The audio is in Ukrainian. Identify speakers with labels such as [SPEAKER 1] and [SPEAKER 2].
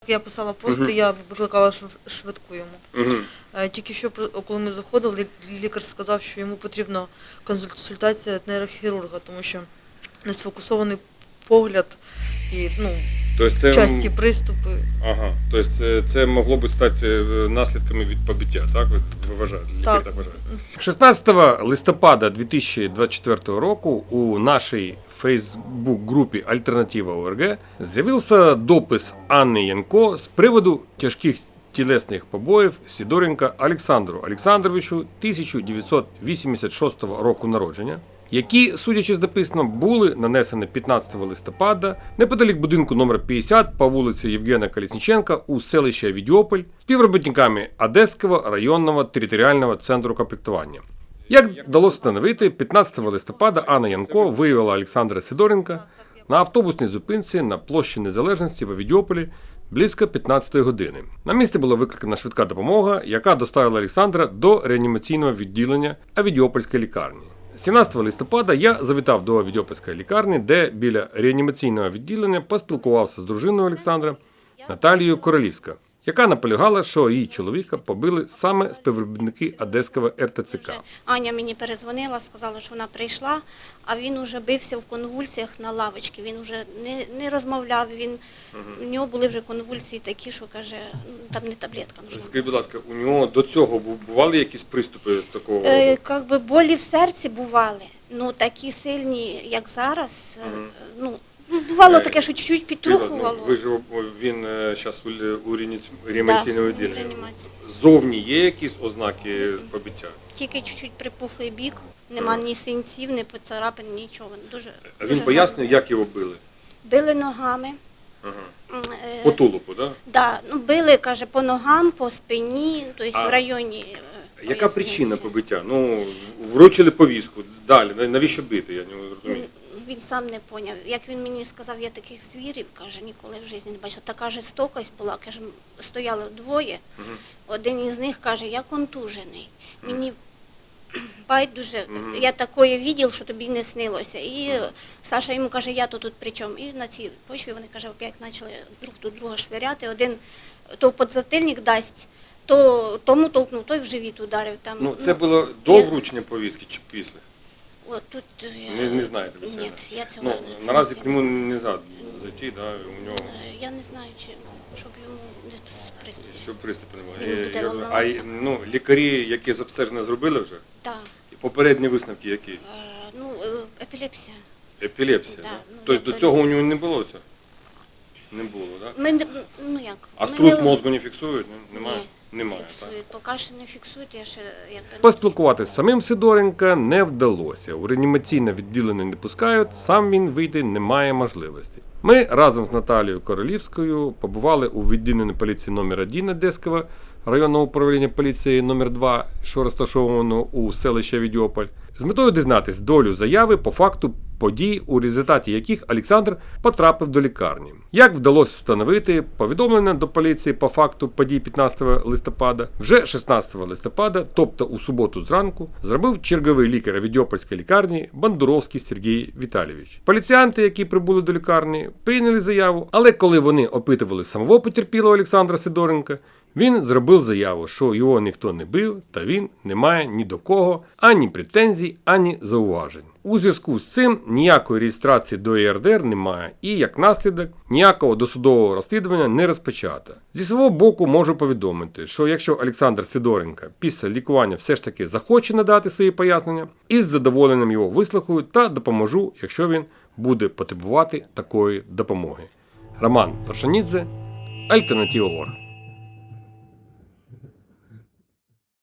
[SPEAKER 1] Я писала пост, я викликала швидку йому. Тільки що, коли ми заходили, лікар сказав, що йому потрібна консультація нейрохірурга, тому що не сфокусований погляд і часті приступи.
[SPEAKER 2] Ага, тобто це могло б стати наслідками від побиття, так? Ви вважаєте?
[SPEAKER 1] Так.
[SPEAKER 2] Так вважаєте?
[SPEAKER 3] 16 листопада 2024 року у нашій фейсбук-групі «Альтернатива ОРГ» з'явився допис Анни Янко з приводу тяжких тілесних побоїв Сидоренка Олександру Олександровичу 1986 року народження, які, судячи з написаного, були нанесені 15 листопада неподалік будинку номер 50 по вулиці Євгена Колесніченка у селищі Авідіополь співробітниками Одеського районного територіального центру комплектування. Як вдалося встановити, 15 листопада Анна Янко виявила Олександра Сидоренка на автобусній зупинці на площі Незалежності в Авідіополі близько 15 години. На місце була викликана швидка допомога, яка доставила Олександра до реанімаційного відділення Авідіопольської лікарні. 17 листопада я завітав до Авідіопольської лікарні, де біля реанімаційного відділення поспілкувався з дружиною Олександра Наталією Королівською, яка наполягала, що її чоловіка побили саме співробітники Одеського РТЦК.
[SPEAKER 4] Аня мені перезвонила, сказала, що вона прийшла, а він уже бився в конвульсіях на лавочці, він вже не розмовляв, у нього були вже конвульсії такі, що каже, там не таблетка нужна.
[SPEAKER 2] Скажіть, будь ласка, у нього до цього бували якісь приступи такого?
[SPEAKER 4] Якби болі в серці бували, такі сильні, як зараз, бувало таке, що чуть-чуть підтрухувало.
[SPEAKER 2] Він зараз у реанімаційному відділенні.
[SPEAKER 4] реанімації.
[SPEAKER 2] Зовні є якісь ознаки побиття?
[SPEAKER 4] Тільки чуть-чуть припухлий бік, нема ні синців, ні поцарапин, нічого.
[SPEAKER 2] А він пояснює, як його били?
[SPEAKER 4] Били ногами.
[SPEAKER 2] По тулупу, так?
[SPEAKER 4] Да, били, каже, по ногам, по спині, тобто в районі.
[SPEAKER 2] Яка причина побиття? Вручили повістку, далі, навіщо бити, я не розумію.
[SPEAKER 4] Він сам не поняв. Як він мені сказав, я таких звірів, каже, ніколи в житті не бачив. Така жорстокость була, каже, стояло двоє, один із них каже, я контужений. Мені байдуже, я такое видів, що тобі не снилося. І Саша йому каже, я тут при чому? І на цій почві вони, каже, опять почали друг до друга швиряти. Один то подзатильник дасть, то тому толкнув, той в живіт ударив.
[SPEAKER 2] Це було до вручення повістки чи після?
[SPEAKER 4] Тут
[SPEAKER 2] не знаєте ви це?
[SPEAKER 4] Ні, я цього не знаю.
[SPEAKER 2] Наразі к нему не можна зайти, да, у нього...
[SPEAKER 4] Я не знаю, щоб йому не приступ.
[SPEAKER 2] Щоб приступу
[SPEAKER 4] Він буде
[SPEAKER 2] немає.
[SPEAKER 4] волноватися.
[SPEAKER 2] Лікарі, які з обстеження зробили вже?
[SPEAKER 4] Так.
[SPEAKER 2] І попередні висновки які?
[SPEAKER 4] Епілепсія.
[SPEAKER 2] Епілепсія,
[SPEAKER 4] Да,
[SPEAKER 2] так? Тобто до цього у нього не було цього? Не було, так?
[SPEAKER 4] Як?
[SPEAKER 2] А струс мозку не фіксують? Немає?
[SPEAKER 4] Ні.
[SPEAKER 2] Немає, так?
[SPEAKER 4] Поки що не фіксують, я ще...
[SPEAKER 3] Поспілкуватися з самим Сидоренка не вдалося. У реанімаційне відділення не пускають, сам він вийти не має можливості. Ми разом з Наталією Королівською побували у відділенні поліції номер 1 Одеського районного управління поліції номер 2, що розташовано у селищі Авідіополь, з метою дізнатись долю заяви по факту подій, у результаті яких Олександр потрапив до лікарні. Як вдалося встановити, повідомлення до поліції по факту подій 15 листопада, вже 16 листопада, тобто у суботу зранку, зробив черговий лікар Авідіопольської лікарні Бандуровський Сергій Віталійович. Поліціянти, які прибули до лікарні, прийняли заяву, але коли вони опитували самого потерпілого Олександра Сидоренка, він зробив заяву, що його ніхто не бив, та він не має ні до кого ані претензій, ані зауважень. У зв'язку з цим ніякої реєстрації до ЄРДР немає і, як наслідок, ніякого досудового розслідування не розпочато. Зі свого боку можу повідомити, що якщо Олександр Сидоренко після лікування все ж таки захоче надати свої пояснення, із задоволенням його вислухаю та допоможу, якщо він буде потребувати такої допомоги. Роман Паршанідзе, Альтернатива ОРГ.